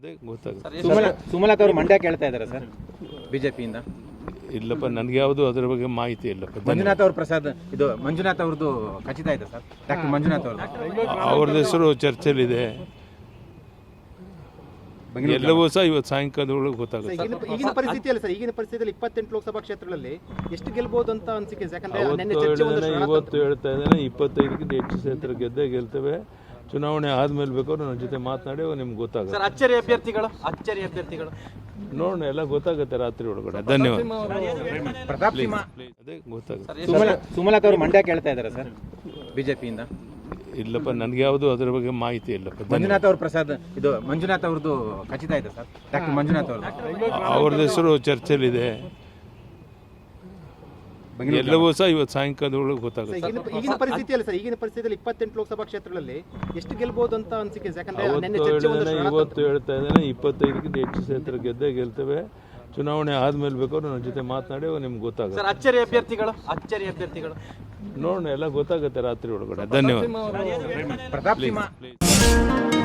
ಅದೇ ಗೊತ್ತಾಗುತ್ತೆ. ಸುಮಲತಾ ಅವರು ಮಂಡ್ಯ ಕೇಳ್ತಾ ಇದ್ದಾರೆ ಸರ್ ಬಿಜೆಪಿಯಿಂದ. ಇಲ್ಲಪ್ಪ, ನನಗೆ ಯಾವುದು ಅದರ ಬಗ್ಗೆ ಮಾಹಿತಿ ಇಲ್ಲಪ್ಪ. ಮಂಜುನಾಥ್ ಅವ್ರ ಪ್ರಸಾದ್ ಇದು ಮಂಜುನಾಥ್ ಅವ್ರದ್ದು ಖಚಿತ ಇದೆ ಸರ್. ಡಾಕ್ಟರ್ ಮಂಜುನಾಥ್ ಅವ್ರದ್ದು ಹೆಸರು ಚರ್ಚೆಲಿದೆ. ಎಲ್ಲವೂ ಸಹ ಇವತ್ತು ಸಾಯಂಕಾಲದೊಳಗೆ ಗೊತ್ತಾಗುತ್ತೆ. ಈಗಿನ ಪರಿಸ್ಥಿತಿಯಲ್ಲಿ ಸರ್, ಈಗಿನ ಪರಿಸ್ಥಿತಿಯಲ್ಲಿ 28 ಲೋಕಸಭಾ ಕ್ಷೇತ್ರಗಳಲ್ಲಿ ಎಷ್ಟು ಗೆಲ್ಬಹುದು ಅಂತ ಅನಿಸಿಕೆ? ಇವತ್ತು ಹೇಳ್ತಾ ಇದ್ದೇನೆ, 25ಕ್ಕಿಂತ ಹೆಚ್ಚು ಕ್ಷೇತ್ರ ಗೆದ್ದೇ ಗೆಲ್ತೇವೆ. ಚುನಾವಣೆ ಆದ್ಮೇಲೆ ಬೇಕಾದ್ರೆ ನನ್ನ ಜೊತೆ ಮಾತನಾಡಿ ನಿಮ್ಗೆ ಗೊತ್ತಾಗುತ್ತೆ. ಅಚ್ಚರಿ ಅಭ್ಯರ್ಥಿಗಳು ನೋಡೋಣ, ಎಲ್ಲ ಗೊತ್ತಾಗುತ್ತೆ ರಾತ್ರಿ ಒಳಗಡೆ. ಧನ್ಯವಾದ. ಪ್ರತಾಪ್ ಅದೇ ಗೊತ್ತಾಗುತ್ತೆ. ಸುಮಲತಾ ಅವರು ಮಂಡ್ಯ ಕೇಳ್ತಾ ಇದ್ದಾರೆ ಸರ್ ಬಿಜೆಪಿಯಿಂದ. ಇಲ್ಲಪ್ಪ, ನನಗೆ ಯಾವುದು ಅದರ ಬಗ್ಗೆ ಮಾಹಿತಿ ಇಲ್ಲಪ್ಪ. ಮಂಜುನಾಥ್ ಅವ್ರ ಪ್ರಸಾದ್ ಇದು ಮಂಜುನಾಥ್ ಅವ್ರದ್ದು ಖಚಿತ ಇದೆ ಸರ್. ಡಾಕ್ಟರ್ ಮಂಜುನಾಥ್ ಅವ್ರದ್ದು ಹೆಸರು ಚರ್ಚೆಲಿದೆ. ಎಲ್ಲವೂ ಸಹ ಇವತ್ತು ಸಾಯಂಕಾಲದೊಳಗೆ ಗೊತ್ತಾಗುತ್ತೆ. ಈಗಿನ ಪರಿಸ್ಥಿತಿಯಲ್ಲಿ ಸರ್, ಈಗಿನ ಪರಿಸ್ಥಿತಿಯಲ್ಲಿ 28 ಲೋಕಸಭಾ ಕ್ಷೇತ್ರಗಳಲ್ಲಿ ಎಷ್ಟು ಗೆಲ್ಬಹುದು ಅಂತ ಅನಿಸಿಕೆ? ಇವತ್ತು ಹೇಳ್ತಾ ಇದ್ದೇನೆ, 25ಕ್ಕಿಂತ ಹೆಚ್ಚು ಕ್ಷೇತ್ರ ಗೆದ್ದೇ ಗೆಲ್ತೇವೆ. ಚುನಾವಣೆ ಆದ್ಮೇಲೆ ಬೇಕಾದ್ರೆ ನನ್ನ ಜೊತೆ ಮಾತನಾಡಿ ನಿಮ್ಗೆ ಗೊತ್ತಾಗುತ್ತೆ. ಅಚ್ಚರಿ ಅಭ್ಯರ್ಥಿಗಳು ನೋಡೋಣ, ಎಲ್ಲ ಗೊತ್ತಾಗುತ್ತೆ ರಾತ್ರಿ ಒಳಗಡೆ. ಧನ್ಯವಾದ. ಪ್ರತಾಪ್